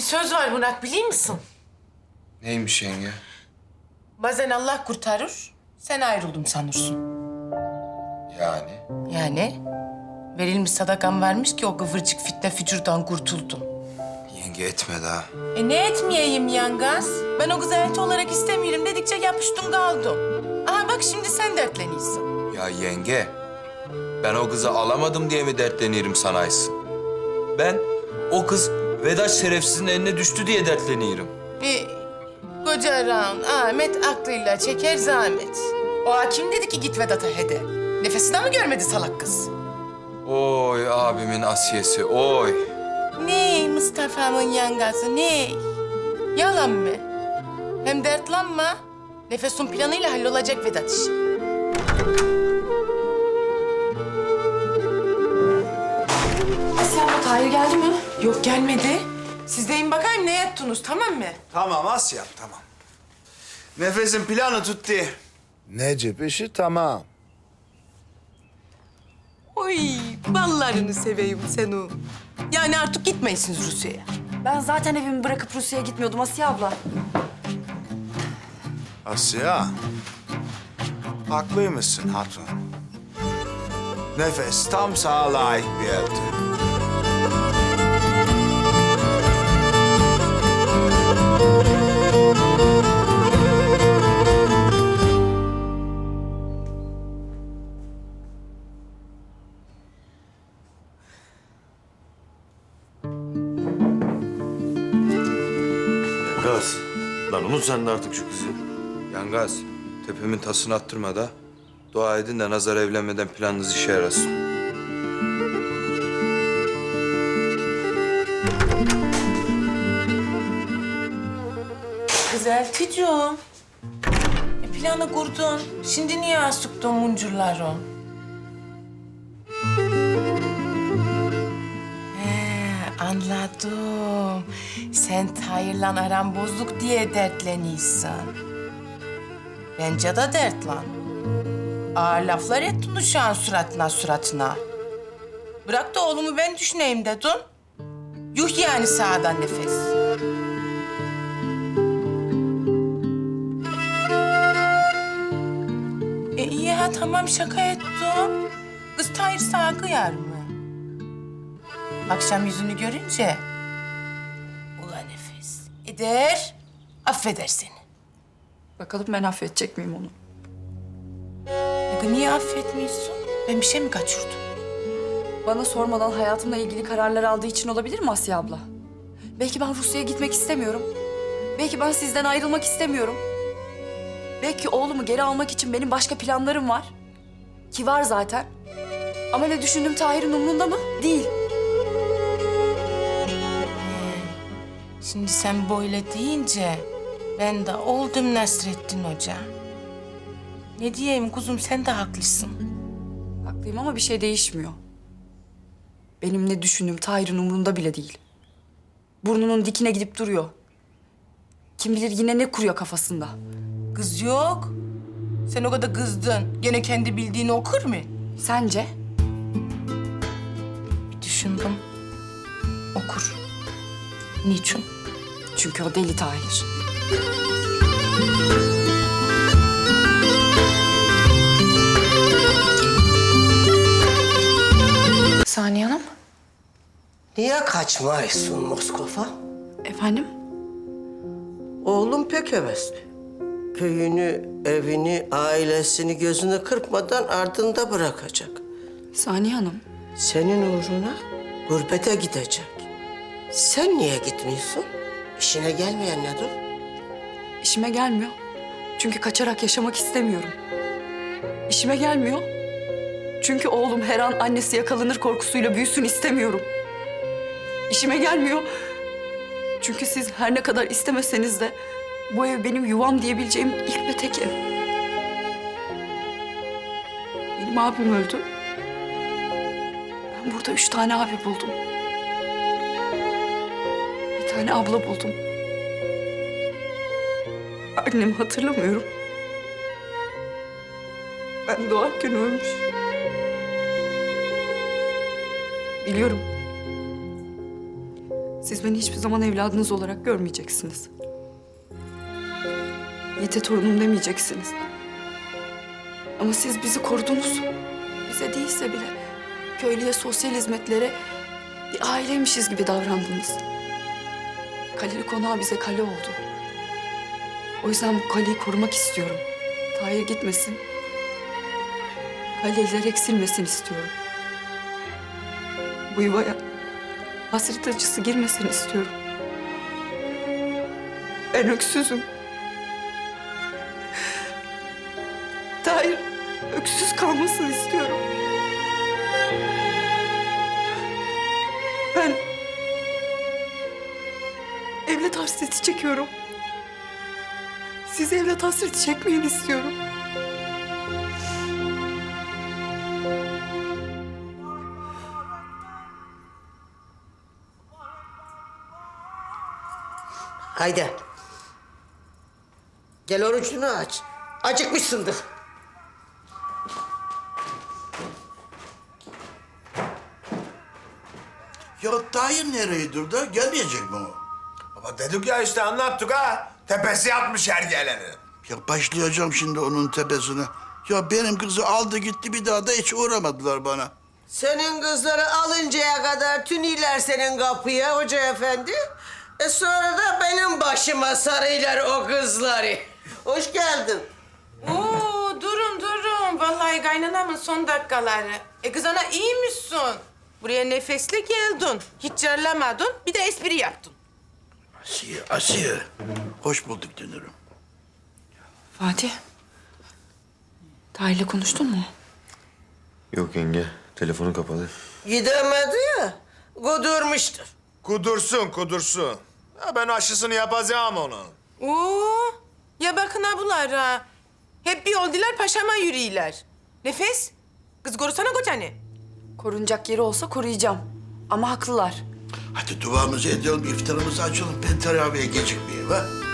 söz var Burak, biliyor musun? Neymiş yenge? Bazen Allah kurtarır, sen ayrıldım sanırsın. Yani? Yani verilmiş sadakan varmış ki o kıvırcık fitne fücurdan kurtuldun. Yenge etme daha. Ne etmeyeyim yangaz? Ben o kızı elti olarak istemiyorum dedikçe yapıştım kaldım. Aha bak şimdi sen dertleniyorsun. Ya yenge, ben o kızı alamadım diye mi dertleniyorum sanaysın? Ben o kız Vedat şerefsizin eline düştü diye dertleniyorum. Koca Aran, Ahmet aklıyla çeker zahmet. O hakim dedi ki git Vedat'a hede. Nefesini mi görmedi salak kız? Oy abimin asiyesi, oy. Ne Mustafa'mın yangası, ne? Yalan mı? Hem dertlanma. Nefesun planıyla hallolacak Vedat işi. Asya abla, Tahir geldi mi? Yok gelmedi. Siz deyin bakayım ne yaptınız, tamam mı? Tamam Asya'm, tamam. Nefesin planı tuttu. Necip işi tamam. Oy ballarını seveyim sen o. Yani artık gitmeyesiniz Rusya'ya. Ben zaten evimi bırakıp Rusya'ya gitmiyordum Asya abla. Asya, haklıymışsın hatun. Nefes tam sana layık bir elti. Gaz. Lan unut sen de artık şu kızı. Yangaz, tepemin tasını attırma da. Dua edin de Nazar evlenmeden planınız işe yarasın. Güzel Ticuğum. Planı kurdun. Şimdi niye asıktın muncurları? Anladım. Sen Tahir'le aran bozuk diye dertleniyorsun. Bence de dertlan. Ağır laflar ettin uşağın suratına. Bırak da oğlumu ben düşüneyim dedin. Yuh yani sağdan nefes. İyi ha tamam şaka ettim. Kız Tahir sağa kıyar mı? Akşam yüzünü görünce... Ula nefes eder, affeder seni. Bakalım ben affedecek miyim onu? Niye affetmiyorsun? Ben bir şey mi kaçırdım? Bana sormadan hayatımla ilgili kararlar aldığı için olabilir mi Asya abla? Belki ben Rusya'ya gitmek istemiyorum. Belki ben sizden ayrılmak istemiyorum. Belki oğlumu geri almak için benim başka planlarım var. Ki var zaten. Ama ne düşündüğüm Tahir'in umrunda mı? Değil. Şimdi sen böyle deyince ben de oldum Nasrettin Hoca. Ne diyeyim kuzum, sen de haklısın. Haklıyım ama bir şey değişmiyor. Benim ne düşündüğüm Tahir'in umrunda bile değil. Burnunun dikine gidip duruyor. Kim bilir yine ne kuruyor kafasında. Kız yok. Sen o kadar kızdın. Gene kendi bildiğini okur mu? Sence? Bir düşündüm. Okur. Niçin? Çünkü o deli Tahir. Saniye Hanım. Niye kaçmayısın Moskova? Efendim? Oğlum pek hevesli. Köyünü, evini, ailesini gözünü kırpmadan ardında bırakacak. Saniye Hanım. Senin uğruna gurbete gidecek. Sen niye gitmiyorsun? İşine gelmeyen nedir? İşime gelmiyor. Çünkü kaçarak yaşamak istemiyorum. İşime gelmiyor. Çünkü oğlum her an annesi yakalanır korkusuyla büyüsün istemiyorum. İşime gelmiyor. Çünkü siz her ne kadar istemeseniz de bu ev benim yuvam diyebileceğim ilk ve tek ev. Benim abim öldü. Ben burada 3 tane abi buldum. Bir tane abla buldum. Annemi hatırlamıyorum. Ben doğarken ölmüş. Biliyorum. Siz beni hiçbir zaman evladınız olarak görmeyeceksiniz. Yiğit'e torunum demeyeceksiniz. Ama siz bizi korudunuz. Bize değilse bile köylüye, sosyal hizmetlere bir aileymişiz gibi davrandınız. Kaleli Konağı bize kale oldu. O yüzden bu kaleyi korumak istiyorum. Tahir gitmesin. Kaleler eksilmesin istiyorum. Bu yuvaya hasret acısı girmesin istiyorum. Ben öksüzüm. Tahir öksüz kalmasını istiyorum. Ben evlat hasreti çekiyorum. Siz evlat hasreti çekmeyin istiyorum. Haydi. Gel orucunu aç. Acıkmışsındır. Ya Tahir nereye durdu? Gelmeyecek mi o? Ama dedik ya işte anlattık ha. Tepesi yapmış her geleni. Ya başlayacağım şimdi onun tepesine. Ya benim kızı aldı gitti bir daha da hiç uğramadılar bana. Senin kızları alıncaya kadar tüniler senin kapıya hoca efendi. Sonra da benim başıma sarıylar o kızları. Hoş geldin. Oo, durun. Vallahi kaynanamın son dakikaları. Kız ana iyi misin? Buraya nefesle geldin. Hiç carlamadın. Bir de espri yaptın. Asiye. Hoş bulduk dönürüm. Fatih. Tahir'le konuştun mu? Yok yenge. Telefonu kapalı. Gidemedi ya. Kudurmuştur. Kudursun. Ya ben aşısını yapacağım onun. Oo, ya bakın abulara. Hep bir oldular paşama yürüyorlar. Nefes, kız korusana kocanı. Korunacak yeri olsa koruyacağım. Ama haklılar. Hadi duamızı edelim, iftarımızı açalım. Ben teravihe gecikmeyeyim ha.